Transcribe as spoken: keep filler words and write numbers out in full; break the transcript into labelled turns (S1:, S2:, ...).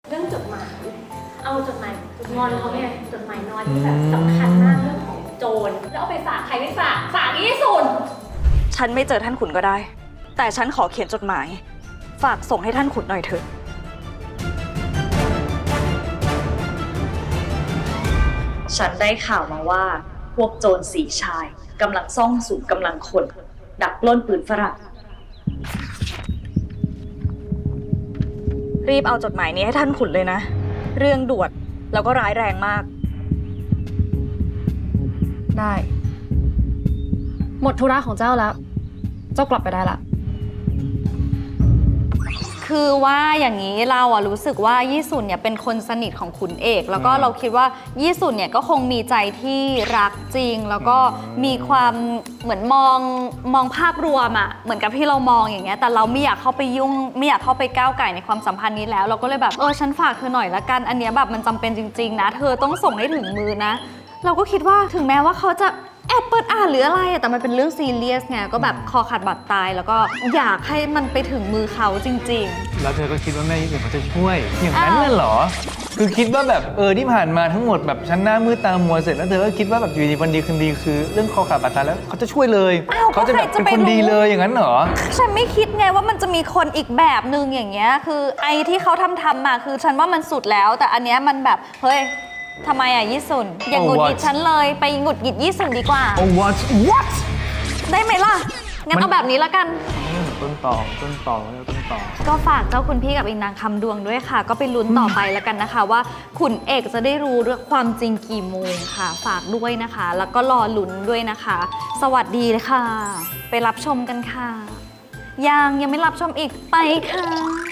S1: เรื่องจดหมายเอาจดหมายงอนเขาเนี่ยจดหมายน้อยที่แบบสำคัญมากเรื่องของโจรแล้วเอาไปฝากใครไม่ฝากฝากยี่สุน
S2: ฉันไม่เจอท่านขุนก็ได้แต่ฉันขอเขียนจดหมายฝากส่งให้ท่านขุนหน่อยเถอะฉันได้ข่าวมาว่าพวกโจรสีชายกำลังซ่องสุมกำลังคนดักปล้นปืนฝรั่งรีบเอาจดหมายนี้ให้ท่านขุนเลยนะเรื่องด่วนแล้วก็ร้ายแรงมาก
S3: ได้หมดธุระของเจ้าแล้วเจ้ากลับไปได้ละ
S4: คือว่าอย่างนี้เราอะรู้สึกว่ายี่สุนเนี่ยเป็นคนสนิทของขุนเอกแล้วก็เราคิดว่ายี่สุนเนี่ยก็คงมีใจที่รักจริงแล้วก็มีความเหมือนมองมองภาพรวมอะเหมือนกับที่เรามองอย่างเงี้ยแต่เราไม่อยากเข้าไปยุ่งไม่อยากเข้าไปก้าวไก่ในความสัมพันธ์นี้แล้วเราก็เลยแบบเออฉันฝากเธอหน่อยละกันอันเนี้ยแบบมันจำเป็นจริงๆนะเธอต้องส่งให้ถึงมือนะเราก็คิดว่าถึงแม้ว่าเขาจะแอบเปิดอ่านหรืออะไรแต่มันเป็นเรื่องซีเรียสไงก็แบบคอขาดบาดตายแล้วก็อยากให้มันไปถึงมือเขาจริงๆ
S5: แล้วเธอก็คิดว่าแม่ญี่ปุ่นเขาจะช่วยอย่างนั้นเลยเหรอคือคิดว่าแบบเออที่ผ่านมาทั้งหมดแบบฉันหน้ามืดตามัวเสร็จแล้วเธอก็คิดว่าแบบอยู่ดีวันดีคืนดีคือเรื่องคอขาดบาดตายแล้วเขาจะช่วยเลยเขาจะแบบเป็นคนดีเลยอย่างนั้นเหรอ
S4: ฉันไม่คิดไงว่ามันจะมีคนอีกแบบนึงอย่างเงี้ยคือไอ้ที่เขาทำทำมาคือฉันว่ามันสุดแล้วแต่อันเนี้ยมันแบบเฮ้ยทำไมอ่ะยี่สุนอย่าหงุดหงิดฉันเลยไปหงุดหงิดยี่สุนดีกว่า
S5: Oh what what
S4: ได้ไหมล่ะงั้นเอาแบบนี้ละกัน
S5: ต้นต่อต้นต่อแล้วต้นต่อ
S4: ก็ฝากเจ้าคุณพี่กับอีนางคำดวงด้วยค่ะก็ไปลุ้นต่อไปแล้วกันนะคะว่าขุนเอกจะได้รู้เรื่องความจริงกี่โมงค่ะฝากด้วยนะคะแล้วก็รอลุ้นด้วยนะคะ สวัสดีเลยค่ะไปรับชมกันค่ะยังยังไม่รับชมอีกไปค่ะ